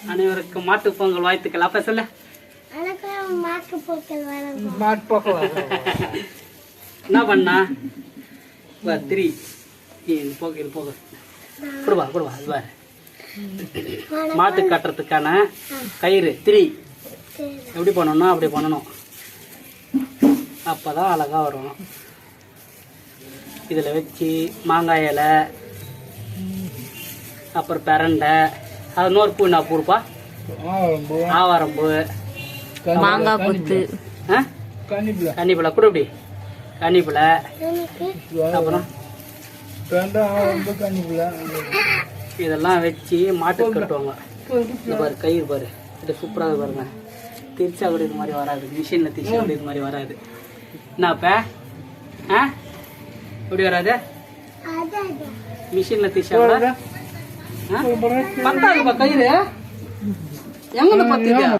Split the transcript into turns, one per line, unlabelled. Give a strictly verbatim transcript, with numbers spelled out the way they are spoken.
அனைவருக்கும் மாட்டு பொங்கல் வாழ்த்துக்கள். அப்ப சொல்ல
மாட்டு பொங்கல்
மாட்டு பொங்கல்
என்ன பண்ணா திரி போக இது போக கொடுவா கொடுவா அது பாரு. மாட்டு கட்டுறதுக்கான கயிறு திரி எப்படி பண்ணணும் அப்படி பண்ணணும், அப்பதான் அழகா வரும். இதில் வச்சு மாங்காய் இலை, அப்புறம் பிரண்டை, அது இன்னொரு பூ என்ன பூப்பா, ஆவாரம்பூ,
மாங்காய் குத்து,
கன்னிப்பிள்ளை கூட இப்படி கன்னிப்பிள்ளை, அப்புறம் இதெல்லாம் வச்சு மாட்டுக்கு கட்டுவாங்க. இந்த பாரு கயிறு பாரு, இது சூப்பராக பாருங்க. திருச்சா கூட இது மாதிரி வராது, மிஷினில் திருச்சா கூட இது மாதிரி வராது. என்னப்ப ஆ எப்படி வராது, மிஷினில் திருச்சா கூட பத்தாதுப்பா கயிறு எங்கே பத்துது.